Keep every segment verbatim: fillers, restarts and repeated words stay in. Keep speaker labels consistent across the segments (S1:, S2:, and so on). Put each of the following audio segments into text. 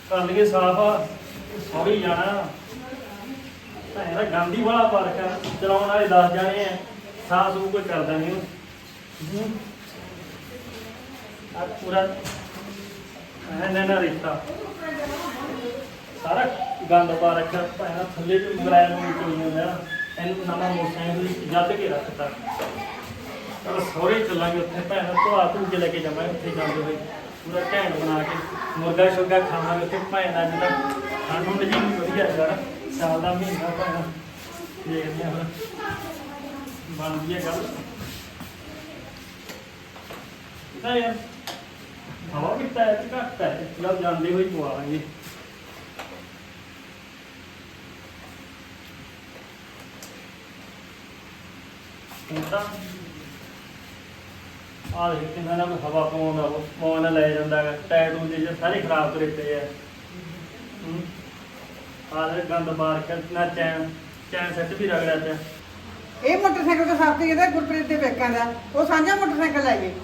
S1: कर लिए साफ सौरी जाना भैन का गंद ही बड़ा पार्क है चलाने वाले दस जाने हैं साफ सूफ कोई करता नहीं पूरा ना रिश्ता सारा गंद पा रखा भैन थले मराया चोई इन नवा मोटरसाइकिल जद के रखता चलो सौरे चलांगे उत्थे भैन धुआ धू के लेके जावांगे उत्थे जाते हुए पूरा घैंट बना के मुर्गा शुरगा खावांगे उत्थे भैन अज तक ठंड ठुंड जी भी वधिया यार साल का महीना भैन देखते हैं फिर बनती है गल यार हवा भी टायर घट है जब जाते हुए पवा लेंगे आ देख कि ना कोई हवा पवाउंदा पवाउण ले जांदा है टायर टूर जे सारे खराब करे पे है आ दे गंद मार के ना चैन चैन सेट भी रगड़ा पे
S2: ਇਹ ਮੋਟਰਸਾਈਕਲ ਤਾਂ ਸਾਫ ਤੇ ਇਹਦਾ ਗੁਰਪ੍ਰੀਤ ਦੇ ਵੇਖਾਂ ਦਾ ਉਹ ਸਾਂਝਾ ਮੋਟਰਸਾਈਕਲ ਲੈ ਗਏ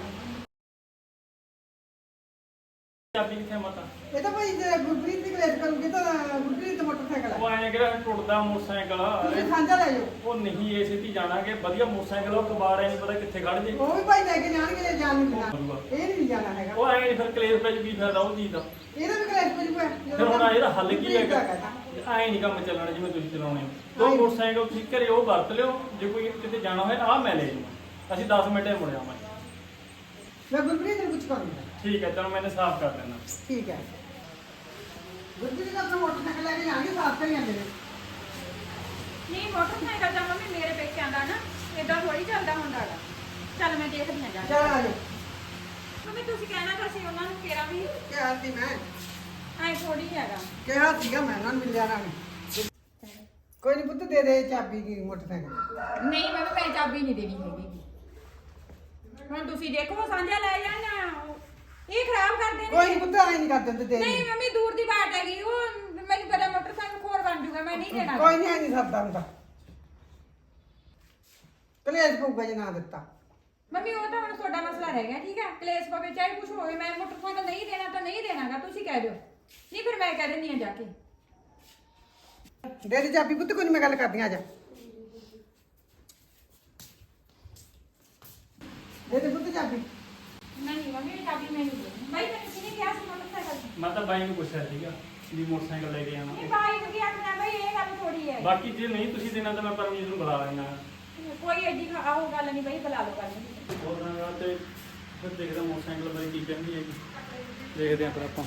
S1: ਚਾਬੀ ਕਿੱਥੇ ਮਾਤਾ
S2: ਇਹ ਤਾਂ ਭਾਈ ਜੇ ਗੁਰਪ੍ਰੀਤ ਦੀ ਕਲੇਸ਼ ਕਰੂਗੇ ਤਾਂ ਗੁਰਪ੍ਰੀਤ ਦਾ ਮੋਟਰਸਾਈਕਲ
S1: ਉਹ
S2: ਹੈ
S1: ਐਂ ਕਿਹੜਾ ਟੁੱਟਦਾ ਮੋਟਰਸਾਈਕਲ
S2: ਤੁਸੀਂ ਸਾਂਝਾ ਲੈ ਜਾਓ
S1: ਉਹ ਨਹੀਂ ਏ ਸਿੱਧੀ ਜਾਣਾਗੇ ਵਧੀਆ ਮੋਟਰਸਾਈਕਲ ਉਹ ਕਬਾੜ ਐ ਨਹੀਂ ਪਤਾ ਕਿੱਥੇ ਖੜ ਜੇ
S2: ਉਹ ਵੀ ਭਾਈ ਲੈ ਕੇ ਜਾਣਗੇ ਜੇ ਜਾਣ ਨਹੀਂ ਦੇਣਾ ਇਹ ਨਹੀਂ ਜਾਣਾ ਹੈਗਾ
S1: ਉਹ ਐਂ ਨੀ ਫਿਰ ਕਲੇਸ਼ ਵਿੱਚ ਕੀ ਫਾਇਦਾ ਉਹ ਚੀਜ਼ ਦਾ
S2: ਇਹਦਾ ਵੀ ਕਲੇਸ਼ ਪਈ ਹੋਇਆ
S1: ਫਿਰ ਹੁਣ ਇਹਦਾ ਹੱਲ ਕੀ ਹੈਗਾ ਐਂ ਨਹੀਂ ਕੰਮ ਚੱਲਣਾ ਜਿਵੇਂ ਤੁਸੀਂ ਚਲਾਉਣੇ ਦੋ ਮੋਟਰਸਾਈਕਲ ਤੁਸੀਂ ਘਰੇ ਉਹ ਵਰਤ ਲਿਓ ਜੇ ਕੋਈ ਕਿਤੇ ਜਾਣਾ ਹੋਏ ਆਹ ਮੈਂ ਲੈ ਜਾਵਾਂ ਅਸੀਂ ਦਸ ਮਿੰਟੇ ਮੁੜ ਆਵਾਂਗੇ
S2: ਮੈਂ ਗੁਰਪ੍ਰੀਤ ਨੂੰ ਕੁਝ ਕਰੂੰਗਾ
S1: ਠੀਕ ਹੈ ਚਲੋ ਮੈंने ਸਾਫ਼ ਕਰ ਲੈਣਾ
S2: ਠੀਕ ਹੈ ਗੁਰਪ੍ਰੀਤ ਦਾ ਆਪਣਾ ਮੋਟਰਸਾਈਕਲ ਲੈ ਕੇ ਜਾਣਗੇ ਸਾਫ ਤੇ ਜਾਂਦੇ ਨੇ
S3: ਨਹੀਂ ਮੋਟਰਸਾਈਕਲ ਤਾਂ ਮੰਮੀ ਮੇਰੇ ਪੇਕਿਆਂ ਦਾ ਨਾ ਇਦਾਂ ਥੋੜੀ ਚੱਲਦਾ ਹੁੰਦਾ ਹੈਗਾ ਚੱਲ ਮੈਂ ਦੇਖਦੀ ਹਾਂ ਜਾ ਕੇ।
S2: ਚਲ ਆ ਜਾਓ
S3: ਮੰਮੀ ਤੁਸੀਂ ਕਹਿਣਾ ਤਾਂ ਸੀ ਉਹਨਾਂ ਨੂੰ ਕਿਹਾ ਵੀ
S2: ਕਿਹਾ ਸੀ ਮੈਂ
S3: ਐ ਥੋੜੀ ਹੈਗਾ
S2: ਕਿਹਾ ਸੀਗਾ ਮੈਂ ਉਹਨਾਂ ਨੂੰ ਮਿਲਿਆ ਨਾ ਕੋਈ ਨਹੀਂ ਪੁੱਤ ਦੇ ਦੇ ਚਾਬੀ ਦੀ ਮੋਟਰਸਾਈਕਲ
S3: ਨਹੀਂ ਮੰਮੀ ਮੈਂ ਚਾਬੀ ਨਹੀਂ ਦੇਣੀ ਹੈਗੀ ਹੁਣ ਤੁਸੀਂ ਦੇਖੋ ਸਾਂਝਾ ਲੈ ਜਾਣਾ ਇਹ ਖਰਾਬ ਕਰ ਦੇਣਗੇ
S2: ਕੋਈ ਨਹੀਂ ਪੁੱਤ ਆਈ ਨਹੀਂ ਕਰਦੇ ਹੁੰਦੇ ਦੇ
S3: ਨਹੀਂ ਮੰਮੀ ਦੂਰ ਦੀ ਬਾਤ ਹੈਗੀ ਉਹ ਮੈਨੂੰ ਪਤਾ ਮੋਟਰਸਾਈਕਲ ਖੋਰ ਬਣ ਜੂਗਾ ਮੈਂ ਨਹੀਂ ਦੇਣਾ
S2: ਕੋਈ ਨਹੀਂ ਆਈ ਨਹੀਂ ਸਰਦਾ ਹੁੰਦਾ ਕਲੇਸ਼ ਪਊਗਾ ਜੇ ਨਾ ਦਿੱਤਾ
S3: ਮੰਮੀ ਉਹ ਤਾਂ ਹੁਣ ਤੁਹਾਡਾ ਮਸਲਾ ਰਹਿ ਗਿਆ ਠੀਕ ਹੈ ਕਲੇਸ਼ ਪਵੇ ਚਾਹੇ ਕੁਝ ਹੋਵੇ ਮੈਂ ਮੋਟਰਸਾਈਕਲ ਨਹੀਂ ਦੇਣਾ ਤਾਂ ਨਹੀਂ ਦੇਣਾਗਾ ਤੁਸੀਂ ਕਹਿ ਦਿਓ ਨਹੀਂ ਫਿਰ ਮੈਂ ਕਹਿ ਦਿੰਦੀ ਆ ਜਾ ਕੇ
S2: ਦੇ ਦੇ ਚਾਬੀ ਪੁੱਤ ਕੋਈ ਨੀ ਮੈਂ ਗੱਲ ਕਰਦੀ ਆ ਜਾ ਦੇ ਦੇ ਪੁੱਤ ਚਾਬੀ
S3: ਨਹੀਂ ਮੰਮੀ ਚਾਬੀ ਮੈਂ ਨਹੀਂ ਦੇਣੀ ਬਾਈ ਤੈਨੂੰ ਕਿਹਨੇ ਕਿਹਾ ਸੀ ਮੋਟਰਸਾਈਕਲ
S1: ਮੈਂ ਤਾਂ ਬਾਈ ਨੂੰ ਪੁੱਛਿਆ ਸੀਗਾ ਵੀ ਮੋਟਰਸਾਈਕਲ ਲੈ ਕੇ
S3: ਇਹ
S1: ਆਵਾਂਗੇ
S3: ਬਾਈ ਨੂੰ ਕੀ ਆਖਣਾ ਬਈ ਇਹ ਗੱਲ ਥੋੜੀ ਹੈ
S1: ਬਾਕੀ ਜੇ ਨਹੀਂ ਤੁਸੀਂ ਦੇਣਾ ਤਾਂ ਮੈਂ ਪਰਮਜੀਤ ਨੂੰ ਬੁਲਾ ਲੈਣਾ
S3: ਕੋਈ ਐਡੀ ਖਾ- ਆਹੋ ਗੱਲ ਨਹੀਂ ਬਈ ਬੁਲਾ ਲਓ ਗੱਲ ਨਹੀਂ
S1: ਹੋਰ ਨਾ ਤੇ ਫਿਰ ਦੇਖਦਾ ਮੋਟਰਸਾਈਕਲ ਬਾਰੇ ਕੀ ਕਹਿੰਦੀ ਹੈਗੀ ਦੇਖਦੇ ਆਂ ਫਿਰ ਆਪਾਂ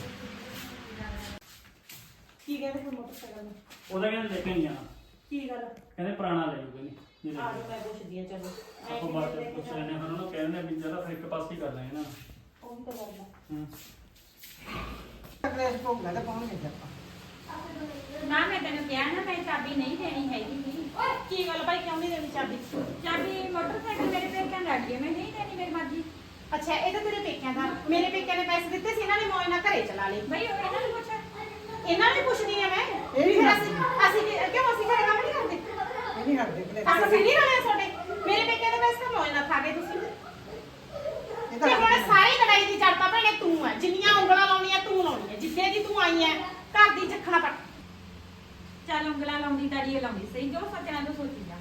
S3: ਕੀ ਕਹਿੰਦੇ ਫਿਰ ਮੋਟਰਸਾਈਕਲ ਨੂੰ
S1: ਉਹਦਾ ਕਹਿੰਦੇ ਲੈ ਕੇ ਨਹੀਂ ਜਾਣਾ
S3: ਕੀ ਗੱਲ
S1: ਕਹਿੰਦੇ ਪੁਰਾਣਾ ਲੈ ਜੂਗੇ ਨਹੀਂ ਨਹੀਂ ਲੈ
S3: ਆ
S1: ਜਾਊਗੇ।
S3: ਜਾਓ ਮੈਂ ਪੁੱਛਦੀ ਆ ਚਲੋ
S1: ਆਪਾਂ ਬਾਅਦ ਚ ਪੁੱਛ ਲੈਣੇ ਹਾਂ ਉਹਨਾਂ ਨੂੰ ਕਹਿੰਦੇ ਵੀ ਜਿਹੜਾ ਫਿਰ ਇੱਕ ਪਾਸੇ ਹੀ ਕਰ ਲੈਣਾ ਨਾ
S3: ਉਹ ਵੀ ਤਾਂ ਕਰਦਾ
S1: ਹੂੰ
S2: ਕਲੇਸ਼ ਪਊਗਾ ਤਾਂ ਪਾਉਣਗੇ ਜੇ ਆਪਾਂ
S3: ਨਾ ਮੈਂ ਤੈਨੂੰ ਕਿਹਾ ਨਾ ਮੈਂ ਚਾਬੀ ਨਹੀਂ ਦੇਣੀ ਹੈਗੀ ਓਏ ਕੀ ਗੱਲ ਭਾਈ ਕਿਉਂ ਨਹੀਂ ਦੇਣੀ ਚਾਬੀ ਚਾਬੀ ਮੋਟਰਸਾਈਕਲ ਮੇਰੇ ਪੇਕਿਆਂ ਦਾ ਅੱਗੇ ਮੈਂ ਨਹੀਂ ਦੇਣੀ ਮੇਰੀ ਮਰਜ਼ੀ
S4: ਅੱਛਾ ਇਹ ਤਾਂ ਤੇਰੇ ਪੇਕਿਆਂ ਦਾ ਮੇਰੇ ਪੇਕਿਆਂ ਨੇ ਪੈਸੇ ਦਿੱਤੇ ਸੀ ਇਹਨਾਂ ਨੇ ਮੌਜ ਨਾਲ ਘਰੇ ਚਲਾ ਲਏ
S3: ਬਈ ਉਹ ਇਹਨਾਂ ਨੂੰ ਪੁੱਛ
S4: ਇਹਨਾਂ ਨੂੰ ਪੁੱਛਦੀ ਆ ਮੈਂ
S2: ਇਹ ਵੀ
S4: ਫਿਰ ਅਸੀਂ ਅਸੀਂ ਕੀ- ਕਿਉਂ ਅਸੀਂ ਘਰੇ ਕੰਮ ਨਹੀਂ ਕਰਦੇ
S2: ਇਹ ਨਹੀਂ ਹਟਦੇ ਕਲੇਸ਼
S4: ਅਸੀਂ ਫਿਰ ਨਹੀਂ ਰਲੇ ਤੁਹਾਡੇ ਮੇਰੇ ਪੇਕਿਆਂ ਦੇ ਪੈਸੇ ਤਾਂ ਮੌਜ ਨਾਲ ਖਾ ਗਏ ਤੁਸੀਂ
S2: ਇਹ
S4: ਤੇ ਹੁਣ
S2: ਤਾਂ
S4: ਸਾਰੀ ਲੜਾਈ ਦੀ ਜੜ ਤਾਂ ਭੈਣੇ ਤੂੰ ਹੈ ਜਿੰਨੀਆਂ ਉਂਗਲਾਂ ਲਾਉਣੀਆਂ ਤੂੰ ਲਾਉਣੀਆਂ ਜਿੱਦੇ ਦੀ ਤੂੰ ਆਈ ਹੈ ਘਰ ਦੀ ਚੱਖਣਾ ਪੱਟ
S3: ਚੱਲ ਉਂਗਲਾਂ ਲਾਉਂਦੀ ਤਾੜੀ ਲਾਉਂਦੀ ਸਹੀ ਜੋ ਸੱਚਣਾ ਤੋਂ ਸੋਚੀ ਜਾ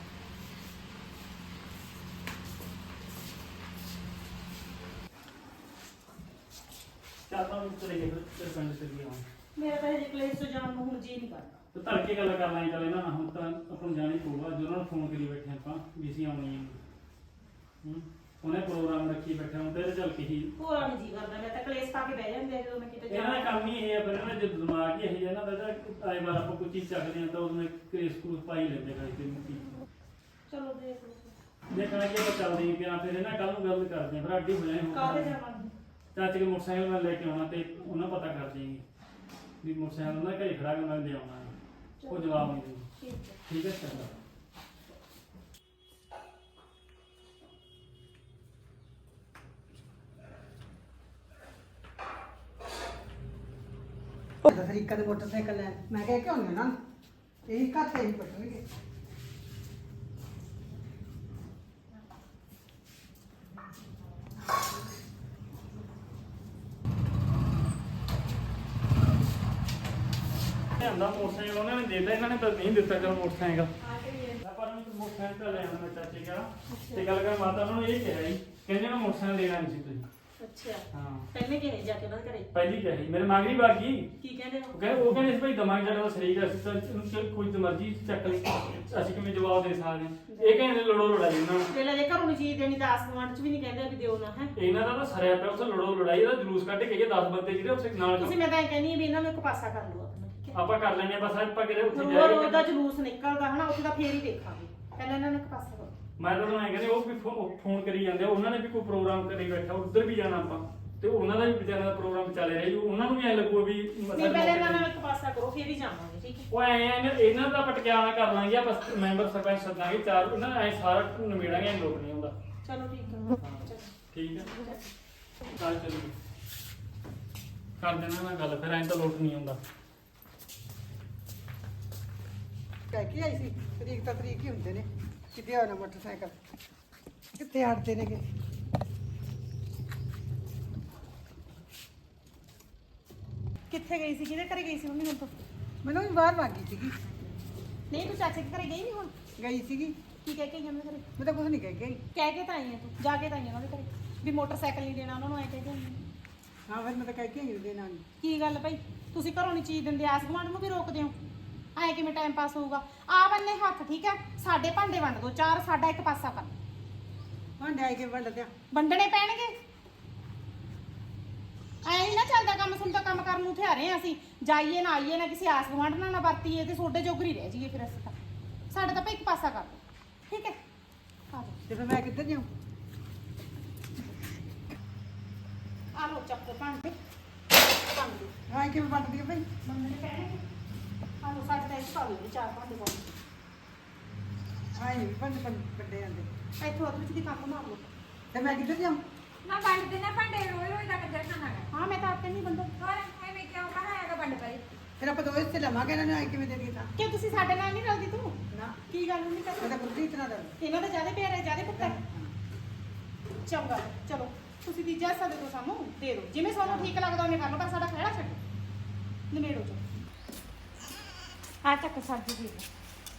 S1: ਚੱਲ ਤਾਂ ਚਲੇ ਗਏ ਫਿਰ ਪਿੰਡ ਚਲੀ ਆਵਾਂ
S4: ਮੇਰਾ ਤਾਂ ਹਜੇ ਕਲੇਸ਼ ਤੋਂ ਜਾਣ ਨੂੰ ਹੁਣ ਜੀ ਨਹੀਂ ਕਰਦਾ
S1: ਤੇ ਧੜਕੇ ਗੱਲ ਕਰ ਲਾਂਗੇ ਚੱਲ ਇਹਨਾਂ ਨਾਲ ਹੁਣ ਤਾਂ ਆਪਾਂ ਨੂੰ ਜਾਣਾ ਹੀ ਪਊਗਾ ਜੋ ਉਹਨਾਂ ਨੂੰ ਫੋਨ ਕਰੀ ਬੈਠੇ ਆਪਾਂ ਵੀ ਅਸੀਂ ਆਉਣੀ ਹੈ ਹੂੰ ਉਹਨੇ ਪ੍ਰੋਗਰਾਮ ਰੱਖੀ ਬੈਠੇ ਹੁਣ ਤੇ ਇਹਦੇ ਚੱਲ ਕੇ ਹੀ
S4: ਹੋਰਾਂ ਨੂੰ ਜੀ ਕਰਦਾ ਮੈਂ ਤਾਂ ਕਲੇਸ਼ ਪਾ ਕੇ ਬਹਿ ਜਾਂਦੇ ਆ ਜਦੋਂ ਮੈਂ ਕਿਤੇ
S1: ਇਹਨਾਂ ਦਾ ਕੰਮ ਹੀ ਇਹ ਹੈ ਫਿਰ ਇਹਨਾਂ ਦਾ ਜਦੋਂ ਦਿਮਾਗ ਹੀ ਇਹ ਜਿਹਾ ਨਾ ਬੈਠਾ ਆਏ ਵਾਰ ਆਪਾਂ ਕੋਈ ਚੀਜ਼ ਚੱਕਦੇ ਹਾਂ ਤਾਂ ਉਹਨੇ ਕ੍ਰੇਸ ਕਰੂਸ ਪਾਈ ਲੈਂਦੇ ਗਾਇ ਤੇ ਮੁੱਕੀ
S4: ਚਲੋ ਦੇਖ ਲਓ
S1: ਦੇਖਣਾ ਕਿ ਆਪਾਂ ਚੱਲਦੇ ਹਾਂ ਕਿ ਆ ਫਿਰ ਇਹਨਾਂ ਕੱਲ ਨੂੰ ਗੱਲ ਕਰਦੇ ਹਾਂ ਫਿਰ ਅੱਡੀ ਹੋ ਜਾਏ
S4: ਕਾਹਦੇ ਜਾਵਾਂਗੇ
S1: ਚਾਚੇ ਦੇ ਮੋਟਰਸਾਈਕਲ ਮੈਂ ਲੈ ਕੇ ਆਉਣਾ ਤੇ ਉਹਨਾਂ ਪਤਾ ਕਰ ਦੇਗੀ ਵੀ ਮੋਟਰਸਾਈਕਲ ਉਹਨਾਂ ਘਰੇ ਖੜਾ ਕੇ ਮੈਂ ਦੇ ਆਉਣਾ ਉਹ ਜਵਾਬ ਨਹੀਂ ਦੇਗੀ
S4: ਠੀਕ ਹੈ
S1: ਠੀਕ ਹੈ ਚੰਗਾ
S2: ਤਰੀਕਾ ਦੇ ਮੋਟਰਸਾਈਕਲ ਲੈ ਮੈਂ ਕਿਹਾ ਕਿਉਂ ਨਹੀਂ ਨਾ ਇਹੀ ਘਰ ਤੇ ਹੀ ਪਟਣਗੇ
S1: ਲਿਆਂਦਾ ਮੋਟਰਸਾਈਕਲ ਉਹਨਾਂ ਨੇ ਦੇ ਦਿੱਤਾ, ਇਹਨਾਂ ਨੇ ਤਾਂ ਨਹੀਂ ਦਿੱਤਾ ਚਲੋ ਮੋਟਰਸਾਈਕਲ। ਪਰ ਮੈਂ ਮੋਟਰਸਾਈਕਲ ਤਾਂ ਲੈ ਆਉਣਾ ਮੈਂ ਚਾਚੇ ਕਾ ਤੇ ਗੱਲ ਕਰ ਮਾਤਾ ਉਹਨਾਂ ਨੂੰ ਇਹ ਕਿਹਾ ਜੀ ਕਹਿੰਦੇ ਨਾ ਮੋਟਰਸਾਈਕਲ ਦੇਣਾ ਨਹੀਂ ਸੀ ਤੁਸੀਂ।
S4: ਅੱਛਾ
S1: ਹਾਂ
S4: ਪਹਿਲੇ ਕਿਹੇ ਜਾ ਕੇ ਉਹਨਾਂ ਦੇ ਘਰੇ
S1: ਪਹਿਲੀ ਕਿਹਾ ਸੀ ਮੇਰੇ ਮਗਰੀ ਬਾਗੀ
S4: ਕੀ ਕਹਿੰਦੇ
S1: ਉਹ
S4: ਹੋ?
S1: ਕਹਿੰਦੇ ਉਹ ਕਹਿੰਦੇ ਸੀ ਭਾਈ ਦਮਾਗ ਜਿਹੜਾ ਸਰੀਰ ਅਸੀਂ ਤਾਂ ਇਹਨੂੰ ਚੱਲ ਕੋਈ ਤੇ ਮਰਜ਼ੀ ਚੱਕ ਲਈ ਅਸੀਂ ਕਿਵੇਂ ਜਵਾਬ ਦੇ ਸਕਦੇ ਹਾਂ। ਇਹ ਕਹਿੰਦੇ ਲੜੋ ਲੜਾਈ ਉਹਨਾਂ ਨੂੰ
S4: ਪਹਿਲਾਂ ਜੇ ਘਰੋਂ ਨੀ ਚੀਜ਼ ਦੇਣੀ ਤਾਂ ਆਸ ਗੁਆਂਢ ਚ ਵੀ ਨਹੀਂ ਕਹਿੰਦੇ ਵੀ ਦਿਓ ਨਾ ਹੈ।
S1: ਇਹਨਾਂ ਦਾ ਤਾਂ ਸਰਿਆ ਪਿਆ ਉੱਥੇ ਲੜੋ ਲੜਾਈ ਦਾ ਜਲੂਸ ਕੱਢ ਕੇ ਗਏ ਦਸ ਬੰਦੇ ਜਿਹੜੇ ਉੱਥੇ ਨਾਲ
S4: ਤੁਸੀਂ ਮੈਂ ਤਾਂ ਇਹ ਕਹਿੰਦੀ ਹਾਂ ਵੀ ਇਹਨਾਂ ਨੂੰ ਇੱਕ ਪਾਸਾ ਕਰ ਲਓ ਆਪਣਾ, ਠੀਕ ਹੈ?
S1: ਆਪਾਂ ਕਰ ਲੈਣੇ ਆ ਬਸ ਆਪਾਂ ਕਿਤੇ ਉੱਥੇ
S4: ਰੋਜ਼ ਰੋਜ਼ ਦਾ
S1: ਜਾਈਏ।
S4: ਜਲੂਸ ਨਿਕਲਦਾ ਹਨਾ, ਉੱਥੇ ਤਾਂ ਫੇਰ ਹੀ ਦੇਖਾਂਗੇ। ਪਹਿਲਾਂ ਇਹਨਾਂ ਨੂੰ ਇੱਕ ਪਾਸਾ ਕਰੋ।
S1: ਮੈਂ ਤਾਂ ਉਹਨਾਂ ਕਹਿੰਦੇ ਉਹ ਵੀ ਫੋਨ ਕਰੀ ਜਾਂਦੇ ਆ, ਉਹਨਾਂ ਨੇ ਵੀ ਕੋਈ ਪ੍ਰੋਗਰਾਮ ਕਰੀ ਬੈਠਾ ਉੱਧਰ ਵੀ ਜਾਣਾ ਆਪਾਂ ਤੇ ਉਹਨਾਂ ਦਾ ਵੀ ਵਿਚਾਰਿਆਂ ਦਾ ਪ੍ਰੋਗਰਾਮ ਚੱਲ ਰਿਹਾ ਜੀ, ਉਹਨਾਂ ਨੂੰ ਵੀ ਐ ਲੱਗੂ ਵੀ
S4: ਨਹੀਂ ਪਹਿਲਾਂ ਇਹਨਾਂ ਨਾਲ ਇੱਕ ਪਾਸਾ ਕਰੋ ਫੇਰ ਹੀ ਜਾਵਾਂਗੇ, ਠੀਕ ਹੈ?
S1: ਉਹ ਐ ਇਹਨਾਂ ਦਾ ਪਟਕਿਆਣਾ ਕਰ ਲਾਂਗੇ ਆਪਾਂ ਮੈਂਬਰ ਸਰਪੰਚ ਸੱਦਾਂਗੇ ਚਾਰ ਉਹਨਾਂ ਐ ਸਾਰਾ ਨਿਬੇੜਾਂਗੇ ਐ ਲੋਕ ਨਹੀਂ ਹੁੰਦਾ।
S4: ਚਲੋ ਠੀਕ ਹੈ। ਚਲੋ
S1: ਠੀਕ ਹੈ ਚੱਲ ਚੱਲੀਏ ਕਰ ਦੇਣਾ ਮੈਂ ਗੱਲ ਫਿਰ ਐਂ ਤਾਂ ਲੋਟ ਨਹੀਂ ਹੁੰਦਾ।
S2: ਕਹਿ ਕੇ ਆਈ ਸੀ ਤਰੀਕ ਤਾਂ ਤਰੀਕ ਹੀ ਹੁੰਦੇ ਨੇ ਕਿਤੇ ਹੋਣਾ ਮੋਟਰਸਾਈਕਲ ਕਿੱਥੇ ਹਟਦੇ ਨੇਗੇ।
S4: ਕਿੱਥੇ ਗਈ ਸੀ? ਕਿਹਦੇ ਘਰੇ ਗਈ ਸੀ ਮੰਮੀ ਹੁਣ ਤੋਂ?
S2: ਮੈਨੂੰ ਵੀ ਬਾਹਰ ਵਾਗੀ ਸੀਗੀ,
S4: ਨਹੀਂ ਤੂੰ ਚਾਚੇ ਦੇ ਘਰੇ ਗਈ ਨਹੀਂ ਹੁਣ?
S2: ਗਈ ਸੀਗੀ।
S4: ਕੀ ਕਹਿ ਕੇ ਗਈ ਉਹਨਾਂ ਦੇ ਘਰੇ?
S2: ਮੈਂ ਤਾਂ ਕੁਝ ਨਹੀਂ ਕਹਿ ਕੇ ਆਈ।
S4: ਕਹਿ ਕੇ ਤਾਂ ਆਈ ਹੈ ਤੂੰ, ਜਾ ਕੇ ਤਾਂ ਆਈ ਹੈ ਉਹਨਾਂ ਦੇ ਘਰੇ ਵੀ ਮੋਟਰਸਾਈਕਲ ਨਹੀਂ ਦੇਣਾ ਉਹਨਾਂ ਨੂੰ, ਐ ਕਹਿ ਕੇ ਆਈ ਹੈ।
S2: ਹਾਂ ਫਿਰ ਮੈਂ ਤਾਂ ਕਹਿ ਕੇ ਆਈ ਉਹਦੇ ਨਾਲ।
S4: ਕੀ ਗੱਲ ਭਾਈ, ਤੁਸੀਂ ਘਰੋਂ ਨਹੀਂ ਚੀਜ਼ ਦਿੰਦੇ, ਆਸ ਗੁਆਂਢ ਨੂੰ ਵੀ ਰੋਕਦੇ ਹੋ? ਐ ਕਿਵੇਂ ਟਾਈਮ ਪਾਸ ਹੋਊਗਾ? ਆ ਬੰਨੇ ਹੱਥ, ਠੀਕ ਹੈ? ਸਾਡੇ ਭਾਂਡੇ ਵੰਡ ਦੋ ਚਾਰ, ਸਾਡਾ ਇੱਕ ਪਾਸਾ ਕਰ।
S2: ਭਾਂਡੇ ਆਏ ਕੇ ਵੰਡ ਦਿਆਂ।
S4: ਵੰਡਣੇ ਪੈਣਗੇ। ਐ ਨਹੀਂ ਨਾ ਚੱਲਦਾ ਕੰਮ, ਸੁਣ ਤਾਂ ਕੰਮ ਕਰਨ ਨੂੰ ਥਿਆਰੇ ਆ ਅਸੀਂ, ਜਾਈਏ ਨਾ ਆਈਏ ਨਾ ਕਿਸੇ ਆਸ ਗੁਆਂਢ ਨਾਲ ਨਾ ਵਰਤੀਏ ਤੇ ਸੋਡੇ ਜੋਗਰੀ ਰਹਿ ਜਾਈਏ ਫਿਰ ਅਸੀਂ ਤਾਂ। ਸਾਡਾ ਤਾਂ ਭਾਈ ਇੱਕ ਪਾਸਾ ਕਰ ਦੋ, ਠੀਕ ਹੈ? ਆ ਲਓ
S2: ਤੇ ਫਿਰ ਮੈਂ ਕਿੱਧਰ ਜਾਊਂ?
S4: ਆ ਲਓ ਚੱਕ ਭਾਂਡੇ ਵੰਡ ਦਿਓ।
S2: ਆਏ ਕਿਵੇਂ ਵੰਡਦੀ ਆ ਭਾਈ?
S4: ਵੰਡਣੇ ਪੈਣਗੇ। ਆ ਲਓ ਸਾਡੇ ਤਾਂ ਇੱਕ ਪਾ ਲਓ ਚਾਰ ਭਾਂਡੇ ਪਾਉਣੇ।
S2: ਆਏ ਵੀ ਭਾਂਡੇ ਭਾਂਡੇ ਵੱਡੇ ਜਾਂਦੇ
S4: ਇੱਥੋਂ ਅੱਧ ਵਿੱਚ ਦੀ ਕੰਮ ਮਾਰ ਲਓ।
S2: ਤੇ ਮੈਂ ਕਿੱਧਰ ਜਾਊਂ?
S3: ਨਾ ਵੰਡ ਦੇਣਾ ਭਾਂਡੇ ਰੋਜ਼ ਰੋਜ਼ ਦਾ ਕੰਜਰ ਖਾਣਾ ਹੈ।
S4: ਹਾਂ ਮੈਂ ਤਾਂ ਆਪੇ ਨਹੀਂ ਬੰਦਾ।
S3: ਹੋਰ ਐਵੇਂ ਕਿਉਂ ਕਹਾਇਆਗਾ ਵੰਡ ਪਰੇ?
S2: ਫਿਰ ਆਪਾਂ ਦੋਵੇਂ ਹਿੱਸੇ ਲਵਾਂਗੇ, ਇਹਨਾਂ ਨੇ ਆਏ ਕਿਵੇਂ ਦੇ ਦਿੱਤੀ ਤਾਂ?
S4: ਕਿਉਂ ਤੁਸੀਂ ਸਾਡੇ ਨਾਲ ਨਹੀਂ ਰਲਦੀ ਤੂੰ?
S2: ਨਾ
S4: ਕੀ ਗੱਲ ਨਹੀਂ
S2: ਮੈਂ
S4: ਕਰਦਾ?
S2: ਤਾਂ ਬੁੱਧੀ ਇਤਨਾ ਦਾ
S4: ਇਹਨਾਂ ਦਾ ਜਿਆਦਾ ਪਿਆਰ ਹੈ, ਜਿਆਦਾ ਪੁੱਤਰ। ਚੰਗਾ ਚਲੋ ਤੁਸੀਂ ਤੀਜਾ ਹਿੱਸਾ ਦੇ ਦਿਓ ਸਾਨੂੰ, ਦੇ ਦਿਓ ਜਿਵੇਂ ਤੁਹਾਨੂੰ ਠੀਕ ਲੱਗਦਾ ਉਹਨੇ ਕਰ ਲਓ, ਪਰ ਸਾਡਾ ਖਹਿੜਾ ਛੱਡੋ। ਨਿਮੇੜੋ ਚੋ ਆ ਚੱਕ ਸਬਜ਼ੀ ਦੇ ਦਿਓ।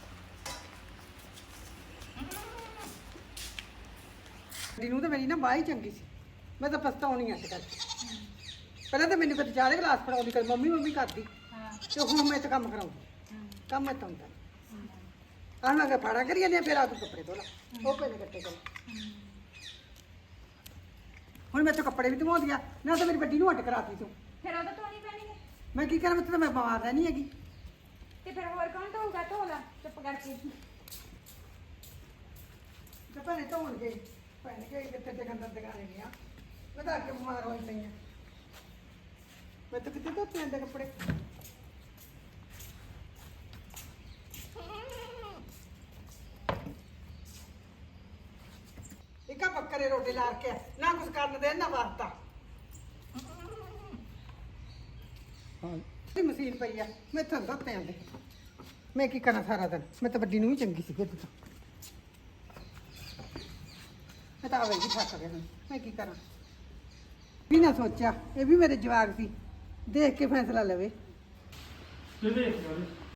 S2: ਨੂੰ ਤਾਂ ਮੇਰੀ ਨਾ ਬਾਹ ਹੀ ਚੰਗੀ ਸੀ, ਮੈਂ ਤਾਂ ਪਛਤਾਉਣੀ ਅੱਜ ਕੱਲ। ਪਹਿਲਾਂ ਤਾਂ ਮੈਨੂੰ ਕਦੇ ਚਾਹ ਦੇ ਗਲਾਸ ਫੜਾਉਂਦੀ, ਕਦੇ ਮੰਮੀ ਮੰਮੀ ਕਰਦੀ, ਤੇ ਹੁਣ ਮੈਂ ਤਾਂ ਕੰਮ ਕਰਾਉਂਦੀ। ਕੰਮ ਮੈਂ ਤਾਂ ਹੁੰਦਾ ਆਹ ਮੈਂ ਕਿਹਾ ਫਾੜਾ ਕਰੀ ਜਾਂਦੇ ਆ, ਫਿਰ ਆ ਤੂੰ ਕੱਪੜੇ ਧੋ ਲਾ, ਉਹ ਪਏ ਨੇ ਕੱਟੇ ਕੋਲ। ਹੁਣ ਮੈਂ ਤਾਂ ਕੱਪੜੇ ਵੀ ਧਵਾਉਂਦੀ ਆ ਨਾ, ਤਾਂ ਮੇਰੀ ਵੱਡੀ ਨੂੰ ਹੱਟ ਕਰਾਤੀ ਤੂੰ।
S3: ਫਿਰ ਉਹ ਤਾਂ ਧੋਣੀ ਪੈਣੀ ਹੈ।
S2: ਮੈਂ ਕੀ ਕਰਾਂ, ਮੈਂ ਤਾਂ ਮੈਂ ਬਿਮਾਰ ਰਹਿਣੀ ਹੈਗੀ।
S3: ਤੇ ਫਿਰ ਹੋਰ ਕੌਣ ਧੋਊਗਾ? ਧੋ ਲਾ ਚੁੱਪ ਕਰਕੇ।
S2: ਤੇ ਭੈਣੇ ਧੋਣ ਗਈ, ਭੈਣ ਗਈ ਕਿੱਥੇ ਤੇ ਗੰਦਰ ਦੁਕਾਨੇ ਗਿਆ, ਮੈਂ ਤਾਂ ਅੱਗੇ ਬਿਮਾਰ ਹੋਈ ਪਈ ਆ। ਮੈਂ ਤਾਂ ਕਿਤੇ ਧੋਤੇ ਜਾਂਦੇ ਕੱਪੜੇ। ਇੱਕਾ ਬੱਕਰੇ ਰੋਟੀ ਲਾ ਕੇ ਨਾ ਕੁਝ ਕਰਨ ਦੇ ਨਾ ਵਰਤਾ। ਹਾਂ ਮਸ਼ੀਨ ਪਈ ਆ, ਮੈਂ ਤਾਂ ਧੋਤੇ ਜਾਂਦੇ। ਮੈਂ ਕੀ ਕਰਾਂ ਸਾਰਾ ਦਿਨ, ਮੈਂ ਤਾਂ ਵੱਡੀ ਨੂੰ ਵੀ ਚੰਗੀ ਸੀ ਫਿਰ ਤਾਂ। ਮੈਂ ਤਾਂ ਆਵੇ ਜੀ ਫਸ ਗਿਆ ਹੁਣ, ਮੈਂ ਕੀ ਕਰਾਂ? ਵੀ ਨਾ ਸੋਚਿਆ, ਇਹ ਵੀ ਮੇਰੇ ਜਵਾਕ ਸੀ, ਦੇਖ ਕੇ ਫੈਸਲਾ ਲਵੇ।
S1: ਕਿਹਦੇ